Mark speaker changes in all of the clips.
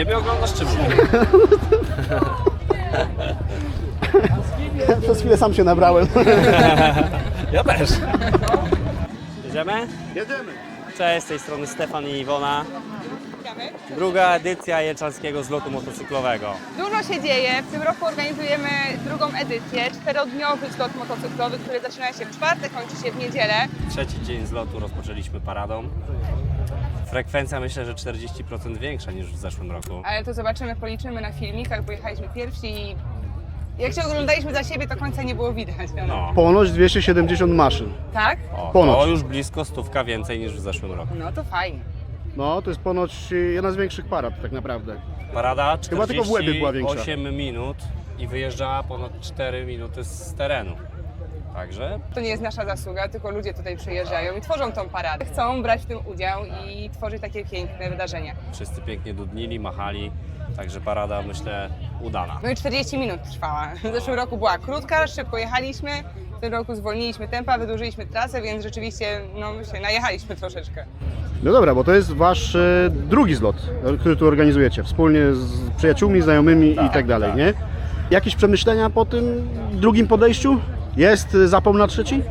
Speaker 1: Ciebie oglądasz czy mnie?
Speaker 2: Przez chwilę sam się nabrałem.
Speaker 1: Ja też. Jedziemy?
Speaker 2: Jedziemy.
Speaker 1: Cześć, z tej strony Stefan i Iwona. Druga edycja Jelczanskiego Zlotu Motocyklowego.
Speaker 3: Dużo się dzieje. W tym roku organizujemy drugą edycję, 4-dniowy zlot motocyklowy, który zaczyna się w czwartek, kończy się w niedzielę.
Speaker 1: Trzeci dzień zlotu rozpoczęliśmy paradą. Frekwencja myślę, że 40% większa niż w zeszłym roku.
Speaker 3: Ale to zobaczymy, policzymy na filmikach, bo jechaliśmy pierwsi i jak się oglądaliśmy za siebie, to końca nie było widać.
Speaker 1: No.
Speaker 2: Ponoć 270 maszyn.
Speaker 3: Tak?
Speaker 1: O,
Speaker 2: Ponoć.
Speaker 1: to już blisko 100 więcej niż w zeszłym roku.
Speaker 3: No to fajnie.
Speaker 2: No, to jest ponoć jedna z większych parad tak naprawdę.
Speaker 1: Parada
Speaker 2: Chyba tylko w Łebie była większa.
Speaker 1: 48 minut i wyjeżdżała ponad 4 minuty z terenu. Także
Speaker 3: To nie jest nasza zasługa, tylko ludzie tutaj przyjeżdżają i tworzą tą paradę. Chcą brać w tym udział i tworzyć takie piękne wydarzenia.
Speaker 1: wszyscy pięknie dudnili, machali. Także parada myślę udana.
Speaker 3: No i 40 minut trwała. W zeszłym roku była krótka, szybko jechaliśmy. W tym roku zwolniliśmy tempa, wydłużyliśmy trasę, więc rzeczywiście myślę, najechaliśmy troszeczkę.
Speaker 2: No dobra, bo to jest wasz drugi zlot, który tu organizujecie, wspólnie z przyjaciółmi, znajomymi i tak dalej,
Speaker 1: tak.
Speaker 2: nie? Jakieś przemyślenia po tym drugim podejściu? Jest zapał na trzeci?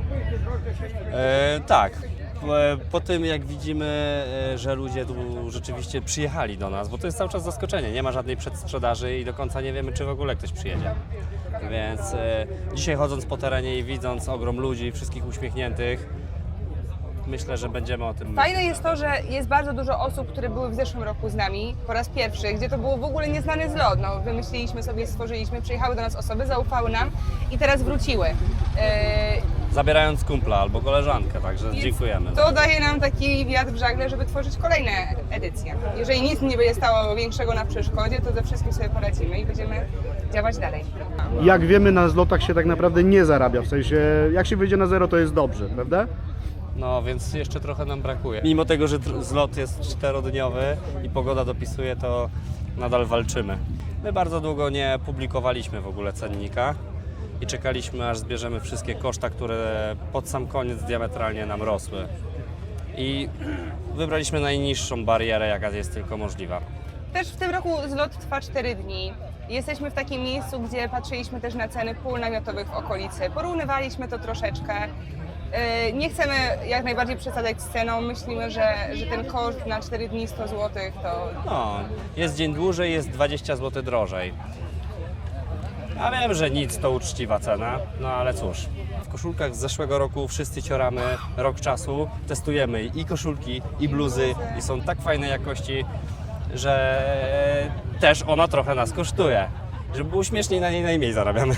Speaker 1: Tak. Po tym jak widzimy, że ludzie tu rzeczywiście przyjechali do nas, bo to jest cały czas zaskoczenie, nie ma żadnej przedsprzedaży i do końca nie wiemy, czy w ogóle ktoś przyjedzie. Więc dzisiaj chodząc po terenie i widząc ogrom ludzi, wszystkich uśmiechniętych, myślę, że będziemy o tym
Speaker 3: Fajne jest to, że jest bardzo dużo osób, które były w zeszłym roku z nami po raz pierwszy, gdzie to było w ogóle nieznany zlot. Wymyśliliśmy sobie, stworzyliśmy, przyjechały do nas osoby, zaufały nam i teraz wróciły.
Speaker 1: zabierając kumpla albo koleżankę, także dziękujemy.
Speaker 3: To daje nam taki wiatr w żagle, żeby tworzyć kolejne edycje. Jeżeli nic nie będzie stało większego na przeszkodzie, to ze wszystkim sobie poradzimy i będziemy działać dalej.
Speaker 2: Jak wiemy, na zlotach się tak naprawdę nie zarabia, w sensie jak się wyjdzie na zero, to jest dobrze, prawda?
Speaker 1: No więc jeszcze trochę nam brakuje. Mimo tego, że zlot jest 4-dniowy i pogoda dopisuje, to nadal walczymy. My bardzo długo nie publikowaliśmy w ogóle cennika i czekaliśmy, aż zbierzemy wszystkie koszta, które pod sam koniec diametralnie nam rosły. I wybraliśmy najniższą barierę, jaka jest tylko możliwa.
Speaker 3: Też w tym roku zlot trwa 4 dni. Jesteśmy w takim miejscu, gdzie patrzyliśmy też na ceny pól namiotowych w okolicy. Porównywaliśmy to troszeczkę. Nie chcemy jak najbardziej przesadzać z ceną. Myślimy, że ten koszt na 4 dni 100 zł to...
Speaker 1: No, jest dzień dłużej, jest 20 zł drożej. Ja wiem, że nic to uczciwa cena, no ale cóż. W koszulkach z zeszłego roku wszyscy cioramy rok czasu, testujemy i koszulki, i bluzy i są tak fajnej jakości, że też ona trochę nas kosztuje. Żeby było śmieszniej, na niej najmniej zarabiamy.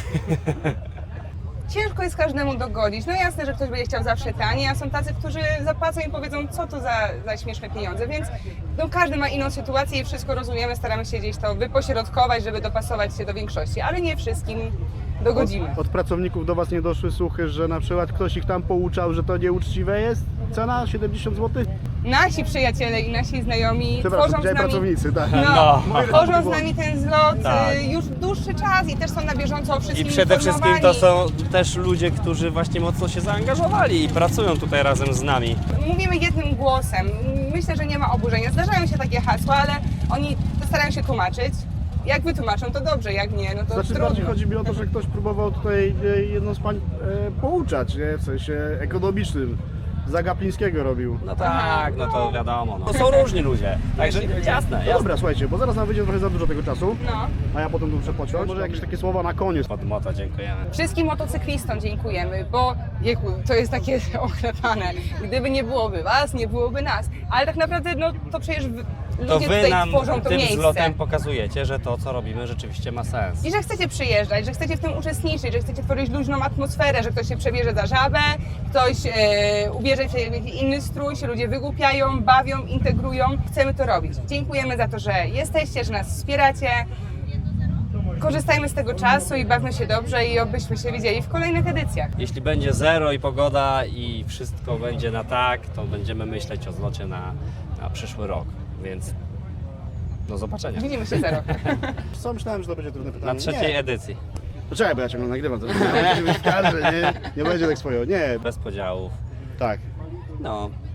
Speaker 3: Ciężko jest każdemu dogodzić. No jasne, że ktoś będzie chciał zawsze taniej, a są tacy, którzy zapłacą i powiedzą, co to za śmieszne pieniądze, więc każdy ma inną sytuację i wszystko rozumiemy, staramy się gdzieś to wypośrodkować, żeby dopasować się do większości, ale nie wszystkim dogodzimy.
Speaker 2: Od pracowników do was nie doszły słuchy, że na przykład ktoś ich tam pouczał, że to nieuczciwe jest? Cena 70 zł?
Speaker 3: Nasi przyjaciele i nasi znajomi
Speaker 2: Przepraszam,
Speaker 3: tworzą z
Speaker 2: dzisiaj
Speaker 3: nami...
Speaker 2: pracownicy, tak.
Speaker 3: Tworzą z nami ten zlot
Speaker 1: Tak.
Speaker 3: już dłuższy czas i też są na bieżąco o
Speaker 1: I
Speaker 3: wszystkim
Speaker 1: przede wszystkim to
Speaker 3: informowani.
Speaker 1: są też ludzie, którzy właśnie mocno się zaangażowali i pracują tutaj razem z nami.
Speaker 3: Mówimy jednym głosem. Myślę, że nie ma oburzenia. Zdarzają się takie hasła, ale oni starają się tłumaczyć. Jak wytłumaczą, to dobrze, jak nie, no to
Speaker 2: Znaczy
Speaker 3: trudno.
Speaker 2: bardziej chodzi mi o to, że ktoś próbował tutaj jedną z pań pouczać, nie? W sensie ekonomicznym. Zagapińskiego robił.
Speaker 1: No tak, no to wiadomo. No. To są różni ludzie, także jasne,
Speaker 2: No
Speaker 1: jasne.
Speaker 2: dobra, słuchajcie, bo zaraz nam wyjdzie trochę za dużo tego czasu,
Speaker 3: No.
Speaker 2: a ja potem tu muszę pociąć. Może jakieś takie słowa na koniec.
Speaker 1: Od Mota dziękujemy.
Speaker 3: Wszystkim motocyklistom dziękujemy, bo to jest takie oklepane. Gdyby nie byłoby was, nie byłoby nas. Ale tak naprawdę, to przecież
Speaker 1: To
Speaker 3: ludzie
Speaker 1: wy
Speaker 3: tutaj
Speaker 1: nam
Speaker 3: tworzą to
Speaker 1: tym
Speaker 3: miejsce.
Speaker 1: zlotem pokazujecie, że to, co robimy, rzeczywiście ma sens.
Speaker 3: I że chcecie przyjeżdżać, że chcecie w tym uczestniczyć, że chcecie tworzyć luźną atmosferę, że ktoś się przebierze za żabę, ktoś ubierze się w jakiś inny strój, się ludzie wygłupiają, bawią, integrują. Chcemy to robić. Dziękujemy za to, że jesteście, że nas wspieracie. Korzystajmy z tego czasu i bawmy się dobrze i obyśmy się widzieli w kolejnych edycjach.
Speaker 1: Jeśli będzie zero i pogoda i wszystko będzie na tak, to będziemy myśleć o zlocie na przyszły rok, więc do zobaczenia.
Speaker 3: Widzimy się za rok.
Speaker 2: Co myślałem, że to będzie trudne pytanie.
Speaker 1: Na trzeciej
Speaker 2: Nie.
Speaker 1: edycji.
Speaker 2: Poczekaj, bo ja ciągle nagrywam to. Musi być w kadrze, nie będzie tak swoją. Nie,
Speaker 1: Bez podziałów.
Speaker 2: tak.
Speaker 1: No,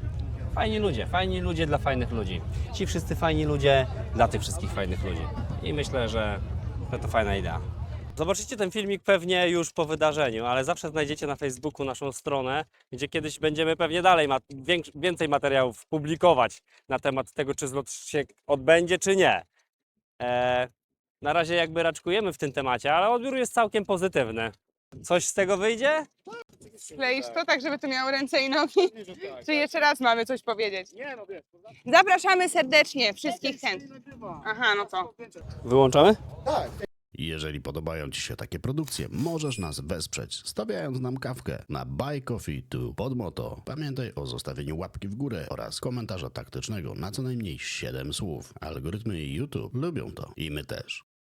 Speaker 1: Fajni ludzie dla fajnych ludzi. Ci wszyscy fajni ludzie dla tych wszystkich fajnych ludzi. I myślę, że to fajna idea. Zobaczycie ten filmik pewnie już po wydarzeniu, ale zawsze znajdziecie na Facebooku naszą stronę, gdzie kiedyś będziemy pewnie dalej więcej materiałów publikować na temat tego, czy zlot się odbędzie, czy nie. Na razie jakby raczkujemy w tym temacie, ale odbiór jest całkiem pozytywny. Coś z tego wyjdzie?
Speaker 3: Skleisz to tak, żeby to miało ręce i nogi? Czy jeszcze raz mamy coś powiedzieć?
Speaker 2: Nie, no wiesz.
Speaker 3: Zapraszamy serdecznie wszystkich chętnych. Aha, no co?
Speaker 1: Wyłączamy?
Speaker 4: Jeżeli podobają Ci się takie produkcje, możesz nas wesprzeć, stawiając nam kawkę na Buy Coffee to Podmoto. Pamiętaj o zostawieniu łapki w górę oraz komentarza taktycznego na co najmniej 7 słów. Algorytmy YouTube lubią to i my też.